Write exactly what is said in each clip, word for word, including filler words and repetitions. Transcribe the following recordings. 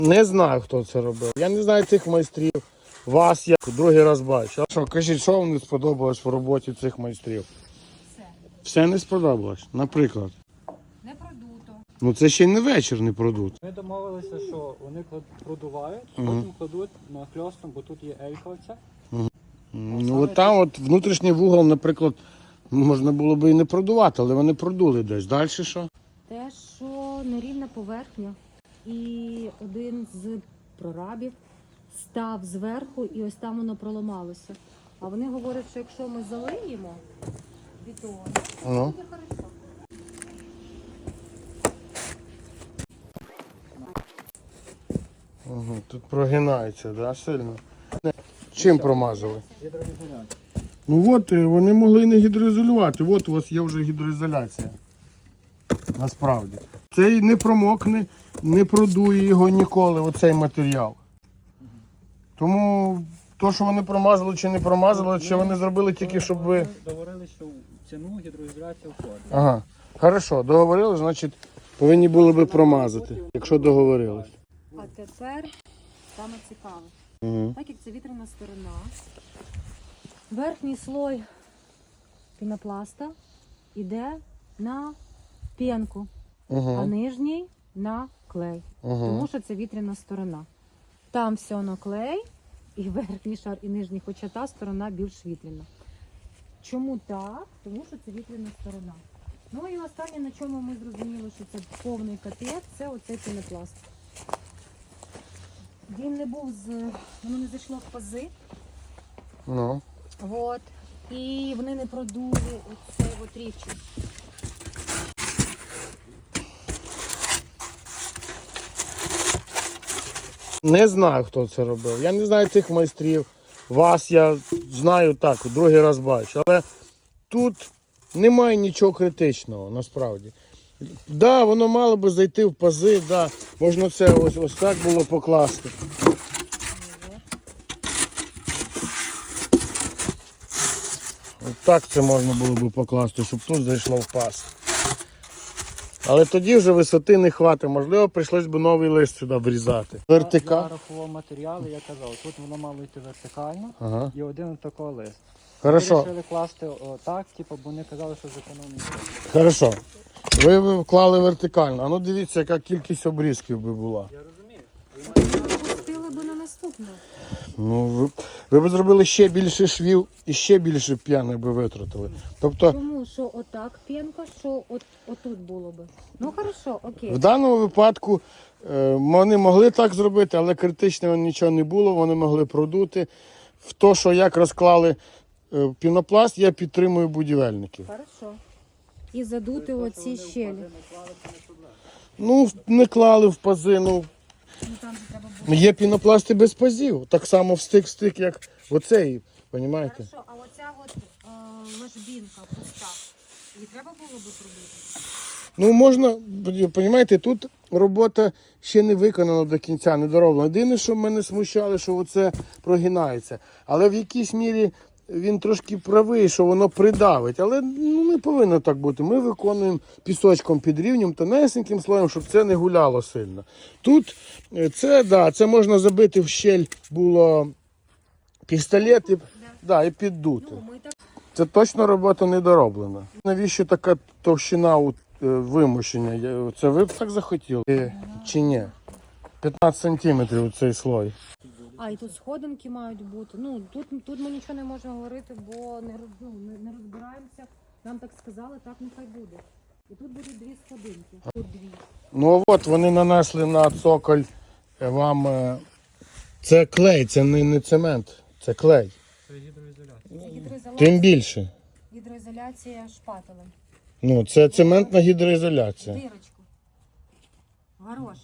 Не знаю, хто це робив. Я не знаю цих майстрів. Вас я другий раз бачу. А що, кажіть, що вам не сподобалось в роботі цих майстрів? Все. Все не сподобалось, наприклад. Не продуто. Ну це ще й не вечір не продуть. Ми домовилися, що вони клад- продувають, Мгм. потім кладуть на хльостом, бо тут є ельковця. Ну от там от внутрішній вугол, наприклад, можна було би і не продувати, але вони продули десь. Далі що? Те, що нерівна поверхня. І один з прорабів став зверху і ось там воно проламалося. А вони говорять, що якщо ми залиємо бетон, то Ну. буде хорошо. Угу, тут прогинається, да, сильно. Чим промазали? Гідроізоляція. Ну от е, вони могли не гідроізолювати. От у вас є вже гідроізоляція. Насправді. Цей не промокне, не продує його ніколи, оцей матеріал. Тому то, що вони промазали чи не промазали, чи вони зробили тільки, щоб ви. Ми договорилися, що в ціну гідроізоляція входить. Ага. Хорошо, договорились, значить повинні були би промазати, якщо договорились. А тепер саме цікаве. Угу. Так як це вітряна сторона, верхній слой пінопласта йде на пінку, а Угу. нижній на клей. Угу. Тому що це вітряна сторона. Там все на клей, і верхній шар, і нижній, хоча та сторона більш вітряна. Чому так? Тому що це вітряна сторона. Ну і останнє, на чому ми зрозуміли, що це повний капець, це оцей пінопласт. Він не був з... воно не зайшло в пази. Ну. От. І вони не продули оцей от рівчик. Не знаю, хто це робив. Я не знаю цих майстрів. Вас я знаю так, другий раз бачу. Але тут немає нічого критичного, насправді. Да, воно мало би зайти в пази, да, можна це ось, ось так було покласти. Ось так це можна було би покласти, щоб тут зайшло в паз. Але тоді вже висоти не хватить, можливо, прийшлось би новий лист сюди врізати. Я Вертика. рахував матеріали, я казав, тут воно мало йти вертикально Ага. і один такий лист. Хорошо. Ми вирішили класти отак, типу, бо вони казали, що зекономить. Хорошо. Ви б вклали вертикально. А ну дивіться, яка кількість обрізків би була. Я розумію. Пустили би на наступне. Ну, ви, ви б зробили ще більше швів і ще більше п'яних би витратили. Тобто, Тому що отак пінка, що от, отут було би. Ну хорошо, окей. в даному випадку е, вони могли так зробити, але критичного нічого не було, вони могли продути. В то, що як розклали е, пінопласт, я підтримую будівельників. Хорошо. І задути оці щелі. Ну, не клали в пази, ну, Ну там же треба було. є пінопласти без пазів. Так само в стик-стик, як оцей, розумієте? Хорошо, а оця от е, ложбінка пуста. Її треба було би пробити? Ну, можна, розумієте, тут робота ще не виконана до кінця, не дороблена. Єдине, що мене смущало, що оце прогинається. Але в якійсь мірі він трошки правий, що воно придавить. Але ну, не повинно так бути. Ми виконуємо пісочком під рівнем, тонесеньким слоєм, щоб це не гуляло сильно. Тут е, це, да, це можна забити в щель, було пістолет і, да, і піддути. Ну, ми так. Це точно робота не дороблена. Навіщо така товщина у е, вимушення? Я- Це ви б так захотіли? Е, Чи ні? п'ятнадцять сантиметрів цей слой. А, і тут сходинки мають бути. Ну, тут, тут ми нічого не можемо говорити, бо не, роз- ну, не, не розбираємося. Нам так сказали, так нехай буде. І тут будуть дві сходинки. Тут дві. Ну от вони нанесли на цоколь е, вам. е, Це клей, це не, не цемент, це клей. Це гідроізоляція. Це гідроізоляція, Тим більше. гідроізоляція шпателем. Ну, це цементна гідроізоляція. Дирочку. Горошик.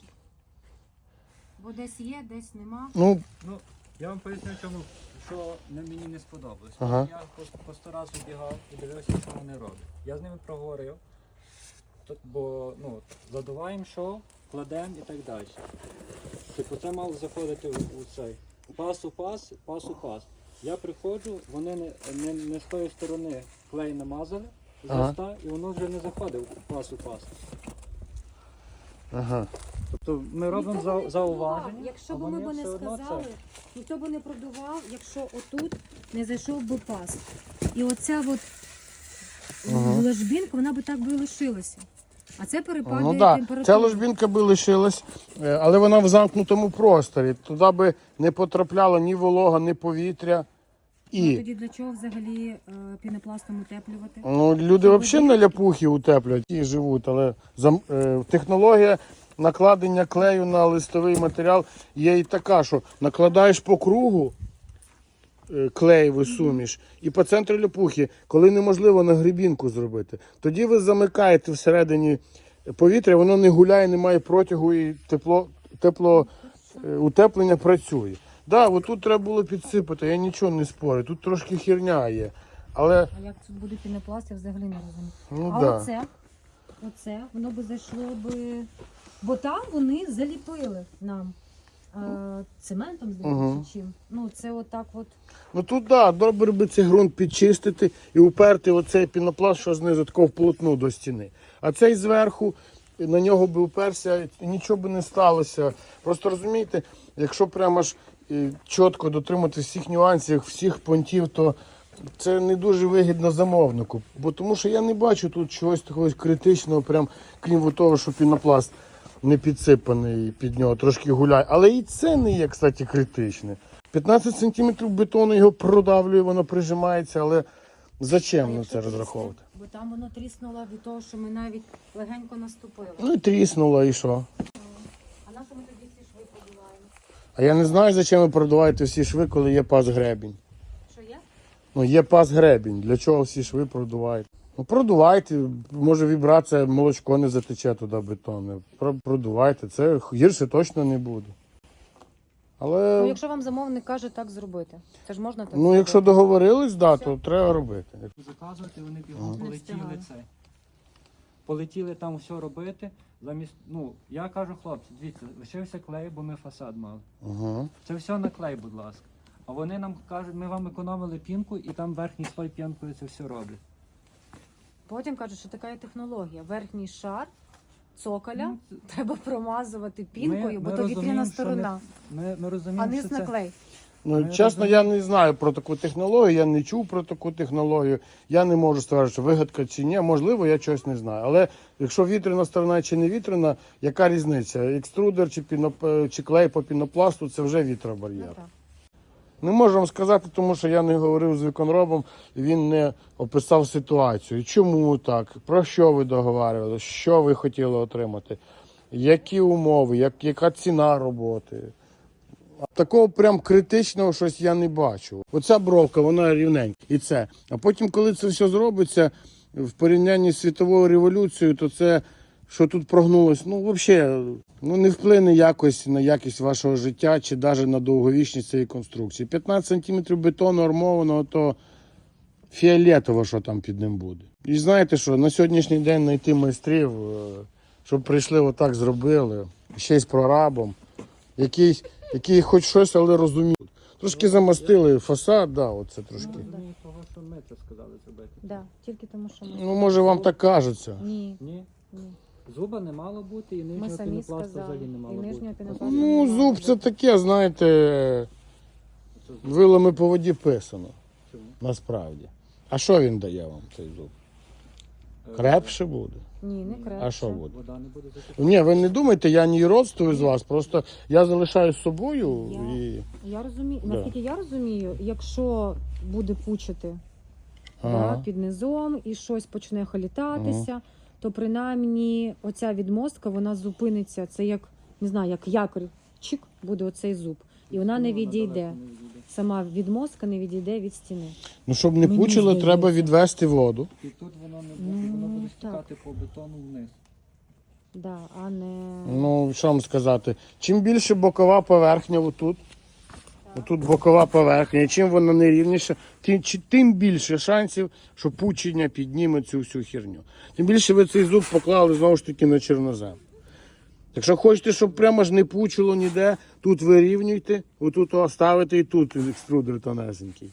Бо десь є, десь нема. Ну, Ну, я вам поясню, чому, що на мені не сподобалось. Ага. Я по, по сто разів бігав і дивився, що вони роблять. Я з ними проговорив, тут, бо ну, задуваємо шов, кладемо і так далі. Типу це мало заходити у, у цей пас у пас, пас у пас. Я приходжу, вони не, не, не з тої сторони клей намазали, з Ага. листа, і воно вже не заходить у пас у пас. ага. То ми робимо Ніхто б за, не продував. зауваження. Якщо а б ми вони б не все одно сказали, це. ніхто б не продував, якщо отут не зайшов би пас. І оця от Ага. ложбінка, вона би так би і лишилася. А це перепадає Ну так, температура. ця ложбінка би лишилась, е, але вона в замкнутому просторі. Туди би не потрапляло ні волога, ні повітря. Ну, І тоді для чого взагалі е, пінопластом утеплювати? ну, люди взагалі на ляпухи утеплюють і живуть, але зам- е, технологія накладення клею на листовий матеріал є і така, що накладаєш по кругу е, клеєву суміш і по центру ляпухи, коли неможливо на грибінку зробити. Тоді ви замикаєте всередині повітря, воно не гуляє, не має протягу і тепло, тепло е, утеплення працює. Так, да, тут треба було підсипати, я нічого не спорю, тут трошки херня є. Але, А як тут буде пінопласт, я взагалі не розумію. ну а да. оце, оце, воно би зайшло би. Бо там вони заліпили нам е, цементом, здається, Мгм. чи чим. Ну, це отак от. Ну тут да, добре би цей ґрунт підчистити і уперти оцей пінопласт, що знизу тако вплотну до стіни. А цей зверху, на нього би уперся, і нічого би не сталося. Просто розумієте, якщо прямо ж е, чітко дотримати всіх нюансів, всіх понтів, то це не дуже вигідно замовнику. Бо тому що я не бачу тут чогось такого критичного, прям крім того, що пінопласт не підсипаний під нього, трошки гуляє. Але і це не є, кстати, критичне. п'ятнадцять сантиметрів бетону його продавлює, воно прижимається, але зачем на якщо це трісне? розраховувати? Бо там воно тріснуло від того, що ми навіть легенько наступили. Ну і тріснуло, і що? А на що ми тоді ці шви подіваємо? А я не знаю, зачем ви продуваєте всі шви, коли є пас гребінь. Що є? Ну, є пас гребінь. Для чого всі шви продуваєте? Ну, продувайте, може вібрація, молочко не затече туди бетонне. Про- Продувайте, це гірше точно не буде. Але, Ну, якщо вам замовник каже так зробити, це ж можна так ну, зробити? якщо договорились, да, то треба робити. Заказувати, вони бігом Не полетіли встигали. це. Полетіли там все робити. Замість, ну, я кажу, хлопці, дивіться, лишився клей, бо ми фасад мали. Угу. Це все на клей, будь ласка. А вони нам кажуть, ми вам економили пінку і там верхній слой пінкою це все роблять. Потім кажуть, що така є технологія. Верхній шар цоколя Ну, це- треба промазувати пінкою, Ми- бо ми то розуміємо, вітряна що сторона, Ми, ми розуміємо, а низ що на це... клей. Ну, Ми чесно, я не знаю про таку технологію, я не чув про таку технологію. Я не можу стверджувати, що вигадка чи ні. Можливо, я чогось не знаю. Але якщо вітряна сторона чи не вітряна, яка різниця? Екструдер чи, піноп... чи клей по пінопласту це вже вітробар'єр. Ну, так. Не можу вам сказати, тому що я не говорив з виконробом, і він не описав ситуацію. Чому так? Про що ви договарювали? Що ви хотіли отримати? Які умови, як, яка ціна роботи? Такого прям критичного щось я не бачу. Оця бровка, вона рівненька. І це. А потім, коли це все зробиться в порівнянні з світовою революцією, то це, що тут прогнулось, ну взагалі ну, не вплине якось на якість вашого життя чи навіть на довговічність цієї конструкції. п'ятнадцять сантиметрів бетону армованого, то фіолетово, що там під ним буде. І знаєте що, на сьогоднішній день знайти майстрів, е, щоб прийшли отак зробили, ще й з прорабом, який, який хоч щось, але розуміють. Трошки замастили фасад, да, оце трошки. Ми розуміємо того, що ми це сказали зробити. Да, тільки тому, що ми... Ну, може, вам так кажеться. Ні, Ні, ні. зуба не мало бути і Ми нижнього самі пінопласту сказали. взагалі не І мало нижнього бути. пінопласту. Ну, зуб це таке, знаєте, вилами по воді писано, Чому? насправді. А що він дає вам, цей зуб? Крепше буде? Ні, не крепше. А що буде? Вода не буде затікати. Ні, ви не думайте, я не родствую з вас, просто я залишаю з собою Я- і... Я розумію, Да. наскільки я розумію, якщо буде пучити Ага. да, під низом і щось почне холітатися, то принаймні оця відмостка, вона зупиниться. Це як, не знаю, як якорь, чик, буде оцей зуб. І вона не Ну, відійде. далеко не відійде. Сама відмостка не відійде від стіни. Ну, щоб не Мені пучило, здається. треба відвести воду. І тут воно не буде, воно Ну, буде так. стікати по бетону вниз. Да, а не... Ну, що вам сказати, чим більше бокова поверхня отут, отут бокова поверхня, і чим вона нерівніша, тим, чи- тим більше шансів, що пучення підніме цю всю херню. Тим більше ви цей зуб поклали знову ж таки на чорнозем. Якщо хочете, щоб прямо ж не пучило ніде, тут вирівнюйте, отут оставите і тут екструдер тонесенький.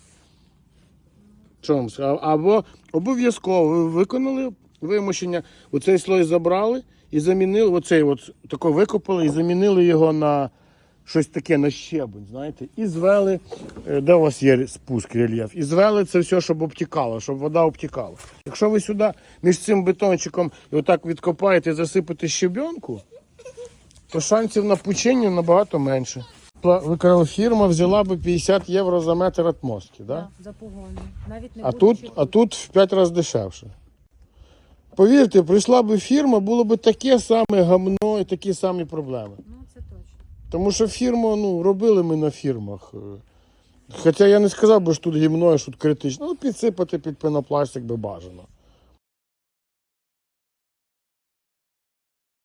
Що вам сказати? Або обов'язково ви виконали вимушення, оцей слой забрали і замінили оцей от тако викопали і замінили його на щось таке, на щебень, знаєте, і звели, е, де у вас є спуск, рельєф, і звели це все, щоб обтікало, щоб вода обтікала. Якщо ви сюди між цим бетончиком і отак відкопаєте і засипете щебенку, то шансів на пучення набагато менше. Пла- Фірма взяла би п'ятдесят євро за метр отмостки, да? Да, за погони. Навіть не А будучи тут, а тут в п'ять разів дешевше. Повірте, прийшла би фірма, було б таке саме гамно і такі самі проблеми. Ну, це точно. Тому що фірму, ну, робили ми на фірмах. Хоча я не сказав би, що тут гімно, що тут критично. Ну, підсипати під пенопластик би бажано.